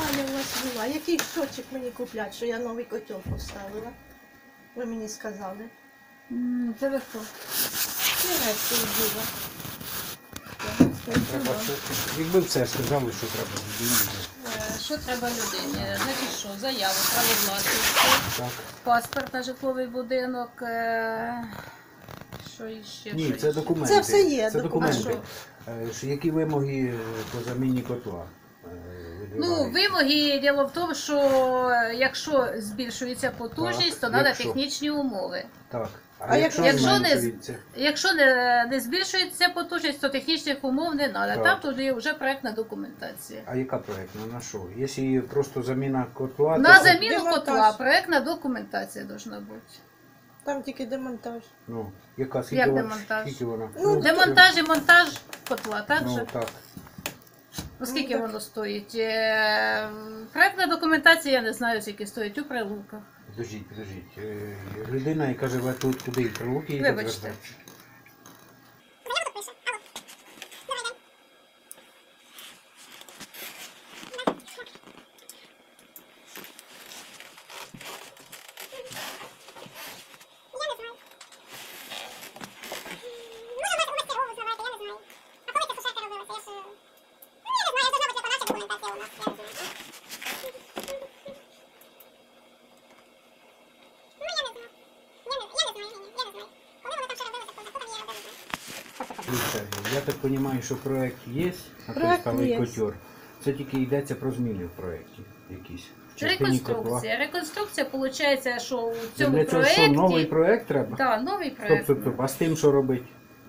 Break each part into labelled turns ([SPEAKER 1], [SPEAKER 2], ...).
[SPEAKER 1] питання у вас була. Який щочик мені куплять, що я новий котел поставила? Ви мені сказали.
[SPEAKER 2] Це ви хто?
[SPEAKER 1] Німецький діва.
[SPEAKER 3] Якби все сказали, що треба.
[SPEAKER 2] Що треба людині? Значить що? Заяву, право власності,
[SPEAKER 3] Так.
[SPEAKER 2] паспорт на житловий будинок, що іще?
[SPEAKER 3] Ні,
[SPEAKER 2] що
[SPEAKER 3] це
[SPEAKER 2] іще?
[SPEAKER 3] документи.
[SPEAKER 1] Це все є,
[SPEAKER 3] Це
[SPEAKER 1] документи.
[SPEAKER 3] документи. Які вимоги по заміні котла?
[SPEAKER 2] Ну, вимоги, діло в тому, що якщо збільшується потужність, то треба
[SPEAKER 3] якщо.
[SPEAKER 2] технічні умови.
[SPEAKER 3] Так.
[SPEAKER 1] А якщо
[SPEAKER 3] зменшується?
[SPEAKER 2] Якщо не збільшується потужність, то технічних умов не треба.
[SPEAKER 3] Так.
[SPEAKER 2] Там тоді вже проєктна документація.
[SPEAKER 3] А яка проєктна? На що? Якщо просто заміна котла,
[SPEAKER 2] На
[SPEAKER 3] то...
[SPEAKER 2] заміну
[SPEAKER 1] демонтаж.
[SPEAKER 2] котла проєктна документація повинна бути.
[SPEAKER 1] Там тільки демонтаж.
[SPEAKER 3] Ну, яка? Скільки
[SPEAKER 2] Як
[SPEAKER 3] вона?
[SPEAKER 2] демонтаж?
[SPEAKER 3] Скільки вона?
[SPEAKER 1] Ну,
[SPEAKER 2] Демонтаж і монтаж котла, так
[SPEAKER 3] Ну,
[SPEAKER 2] же?
[SPEAKER 3] так.
[SPEAKER 2] Ну, скільки
[SPEAKER 1] так.
[SPEAKER 2] воно стоїть? Проєктна документація, я не знаю, скільки стоїть у Прилуках.
[SPEAKER 3] Підождіть. Людина, яка живе тут, куди? І Прилуки їде
[SPEAKER 2] Вибачте.
[SPEAKER 3] звертатися? Дивіться, я так розумію, що проєкт є,
[SPEAKER 1] Проект
[SPEAKER 3] наприклад,
[SPEAKER 1] є.
[SPEAKER 3] котер. Це тільки йдеться про зміни в проєкті якісь. В частині котла.
[SPEAKER 2] Реконструкція. Реконструкція, виходить, що у
[SPEAKER 3] Це
[SPEAKER 2] цьому
[SPEAKER 3] для цього
[SPEAKER 2] проєкті...
[SPEAKER 3] що, новий проєкт треба?
[SPEAKER 2] Так, новий проєкт.
[SPEAKER 3] Стоп. А з тим що робити?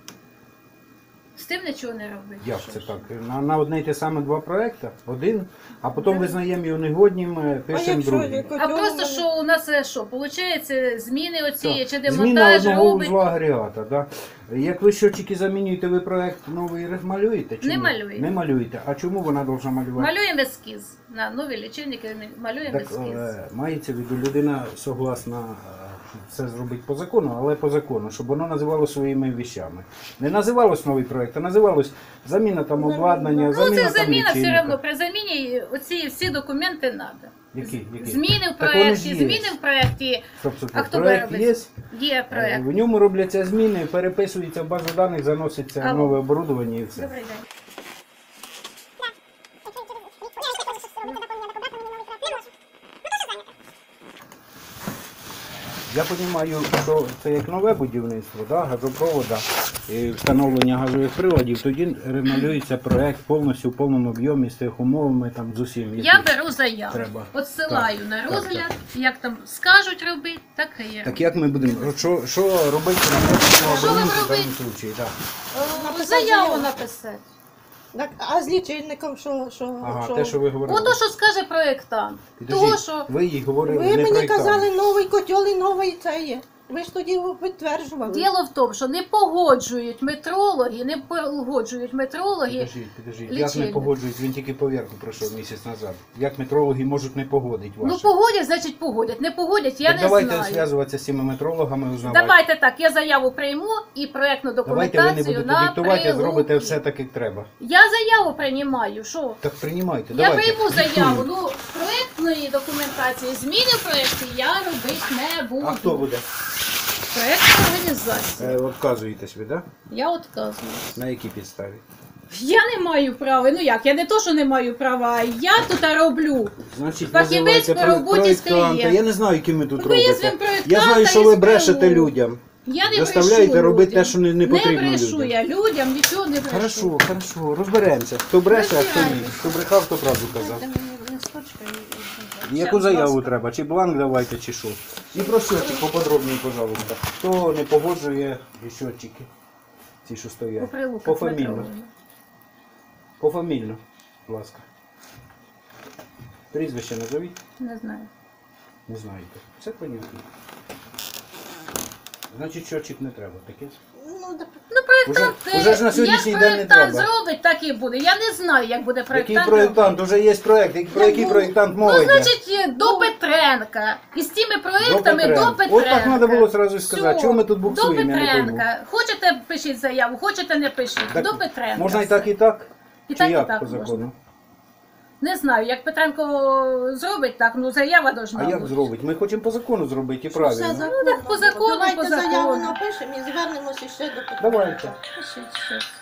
[SPEAKER 2] З тим нічого не робити.
[SPEAKER 3] Як
[SPEAKER 2] Що
[SPEAKER 3] це
[SPEAKER 2] ж.
[SPEAKER 3] так? На одне й те саме два проєкти? Один, а потім визнаємо його негоднім,
[SPEAKER 1] А
[SPEAKER 3] пишемо
[SPEAKER 1] якщо
[SPEAKER 3] другий.
[SPEAKER 1] котел
[SPEAKER 2] А
[SPEAKER 1] у
[SPEAKER 2] просто,
[SPEAKER 1] мене-
[SPEAKER 2] що у нас що, виходить, зміни оці, чи
[SPEAKER 3] Зміна
[SPEAKER 2] демонтаж
[SPEAKER 3] одного
[SPEAKER 2] робить...
[SPEAKER 3] узла агрегата. Да? Як ви щотчики замінюєте, ви проєкт новий малюєте? Чи
[SPEAKER 2] Не
[SPEAKER 3] ні?
[SPEAKER 2] малюємо.
[SPEAKER 3] Не малюєте. А чому вона повинна малювати?
[SPEAKER 2] Малюємо ескіз. На нові лічильники малюємо
[SPEAKER 3] Так,
[SPEAKER 2] ескіз.
[SPEAKER 3] мається в виду, людина согласна все зробити по закону, але по закону, щоб воно називалося своїми вещами. Не називалось новий проєкт, а називалось заміна там обладнання,
[SPEAKER 2] Ну,
[SPEAKER 3] заміна
[SPEAKER 2] це
[SPEAKER 3] там
[SPEAKER 2] заміна все
[SPEAKER 3] лічильника.
[SPEAKER 2] одно. При заміні оці всі документи треба.
[SPEAKER 3] Які?
[SPEAKER 2] Зміни в
[SPEAKER 3] Так вони ж
[SPEAKER 2] проєкті,
[SPEAKER 3] є.
[SPEAKER 2] зміни в проєкті.
[SPEAKER 3] Стоп.
[SPEAKER 2] А хто
[SPEAKER 3] Проєкт
[SPEAKER 2] буде
[SPEAKER 3] є,
[SPEAKER 2] Є проєкт.
[SPEAKER 3] в ньому робляться зміни, переписується в базу даних, заноситься
[SPEAKER 2] Алло.
[SPEAKER 3] нове оборудовання і все.
[SPEAKER 2] Добрий день.
[SPEAKER 3] Я розумію, що це як нове будівництво, да, газопровода, і встановлення газових приладів, тоді ремалюється проєкт повністю в повному об'ємі з тих умовами, там, з усім.
[SPEAKER 2] Я
[SPEAKER 3] які
[SPEAKER 2] беру заяву,
[SPEAKER 3] треба.
[SPEAKER 2] відсилаю на
[SPEAKER 3] Так,
[SPEAKER 2] розгляд, як там скажуть робити, так і є.
[SPEAKER 3] Так як ми будемо, що робити на цьому
[SPEAKER 2] Що вам
[SPEAKER 3] абоненту в
[SPEAKER 2] робити?
[SPEAKER 3] даному випадку? Так.
[SPEAKER 1] Написати
[SPEAKER 2] Заяву
[SPEAKER 1] заяву.
[SPEAKER 2] написати.
[SPEAKER 1] Так, а з лічильником що?
[SPEAKER 3] Ага, те, що ви говорили.
[SPEAKER 2] Ото, що скаже проєктант.
[SPEAKER 3] Підождіть,
[SPEAKER 2] Того, що
[SPEAKER 3] ви їй говорили,
[SPEAKER 1] Ви
[SPEAKER 3] не
[SPEAKER 1] мені
[SPEAKER 3] проєктант.
[SPEAKER 1] казали новий котел і новий це є. Ви ж тоді підтверджували.
[SPEAKER 2] діло в тому, що не погоджують метрологи,
[SPEAKER 3] Підождіть. Як не
[SPEAKER 2] лічильник.
[SPEAKER 3] погоджують? Він тільки поверху пройшов місяць назад. Як метрологи можуть не погодити
[SPEAKER 2] Ну
[SPEAKER 3] ваші?
[SPEAKER 2] погодять, значить погодять. Не погодять, я
[SPEAKER 3] Так
[SPEAKER 2] не
[SPEAKER 3] давайте
[SPEAKER 2] знаю.
[SPEAKER 3] зв'язуватися з цими метрологами, узнавати.
[SPEAKER 2] Давайте так, я заяву прийму і проєктну
[SPEAKER 3] Давайте ви не
[SPEAKER 2] документацію
[SPEAKER 3] будете
[SPEAKER 2] на
[SPEAKER 3] диктувати, а зробите
[SPEAKER 2] Прилуки.
[SPEAKER 3] все так, як треба.
[SPEAKER 2] Я заяву приймаю, що?
[SPEAKER 3] Так приймайте,
[SPEAKER 2] Я
[SPEAKER 3] давайте.
[SPEAKER 2] прийму заяву,
[SPEAKER 3] Диктуємо.
[SPEAKER 2] ну проєктної документації, зміни в проєкті я робити не буду.
[SPEAKER 3] А хто буде?
[SPEAKER 2] Проєктна організація.
[SPEAKER 3] Відказуєтесь ви, так?
[SPEAKER 2] Я відказую.
[SPEAKER 3] На якій підставі?
[SPEAKER 2] Я не маю права, ну як, я не то, що не маю права, а я тут роблю.
[SPEAKER 3] Значить,
[SPEAKER 2] Фахівець
[SPEAKER 3] називайте
[SPEAKER 2] по роботі з
[SPEAKER 3] проєктанта.
[SPEAKER 2] клієнтом.
[SPEAKER 3] Я не знаю, яким ви тут
[SPEAKER 2] Ну, є
[SPEAKER 3] робите.
[SPEAKER 2] він проєктант,
[SPEAKER 3] Я знаю, що
[SPEAKER 2] і
[SPEAKER 3] ви
[SPEAKER 2] з
[SPEAKER 3] брешете
[SPEAKER 2] Прилук.
[SPEAKER 3] людям.
[SPEAKER 2] Я не
[SPEAKER 3] Заставляєте
[SPEAKER 2] брешу
[SPEAKER 3] робити
[SPEAKER 2] людям.
[SPEAKER 3] те, що не потрібно
[SPEAKER 2] Не брешу
[SPEAKER 3] людям.
[SPEAKER 2] я людям, нічого не брешу.
[SPEAKER 3] Хорошо, розберемося. Хто бреше, а хто ні.
[SPEAKER 2] Розбирайтесь.
[SPEAKER 3] Хто брехав, хто правду казав.
[SPEAKER 2] Дайте мені листочка і-
[SPEAKER 3] Яку
[SPEAKER 2] Щас,
[SPEAKER 3] заяву
[SPEAKER 2] будь ласка.
[SPEAKER 3] треба? Чи бланк давайте, чи що? І про щотчик поподробніше, пожалуйста. Хто не погоджує щотчики? Ці, що
[SPEAKER 2] По
[SPEAKER 3] стоять.
[SPEAKER 2] Прилуках
[SPEAKER 3] Пофамільно.
[SPEAKER 2] метрологи.
[SPEAKER 3] Пофамільно, будь ласка. Прізвище назовіть?
[SPEAKER 2] Не знаю.
[SPEAKER 3] Не знаєте. Все понятно. Значить, щотчик не треба, таке?
[SPEAKER 1] Ну, да.
[SPEAKER 2] Ну, проєктант,
[SPEAKER 3] Уже ж на сьогоднішній
[SPEAKER 2] як
[SPEAKER 3] день не
[SPEAKER 2] проєктант
[SPEAKER 3] треба.
[SPEAKER 2] зробить, так і буде. Я не знаю, як буде
[SPEAKER 3] Який
[SPEAKER 2] проєктант.
[SPEAKER 3] проєктант? Уже є проєкт. Про який проєктант мова
[SPEAKER 2] Ну,
[SPEAKER 3] йде?
[SPEAKER 2] значить, до Петренка. І з тими проєктами до Петренка.
[SPEAKER 3] От так треба було одразу сказати.
[SPEAKER 2] Всьо.
[SPEAKER 3] Чого ми тут
[SPEAKER 2] До
[SPEAKER 3] буксуємо, я не пойму.
[SPEAKER 2] Петренка. Хочете пишіть заяву, хочете не пишіть.
[SPEAKER 3] Так
[SPEAKER 2] До Петренка.
[SPEAKER 3] можна і так, і так?
[SPEAKER 2] І
[SPEAKER 3] Чи
[SPEAKER 2] так, і
[SPEAKER 3] як
[SPEAKER 2] так
[SPEAKER 3] по
[SPEAKER 2] можна.
[SPEAKER 3] закону?
[SPEAKER 2] Не знаю, як Петренко зробить так, ну заява должна
[SPEAKER 3] А як
[SPEAKER 2] бути.
[SPEAKER 3] зробить? Ми хочемо по закону зробити, і
[SPEAKER 1] Все
[SPEAKER 3] правильно.
[SPEAKER 1] законно.
[SPEAKER 2] так по закону,
[SPEAKER 1] Давайте
[SPEAKER 2] по закону.
[SPEAKER 1] заяву напишемо і звернемося ще до Петренка.
[SPEAKER 3] Давайте.
[SPEAKER 2] Щас.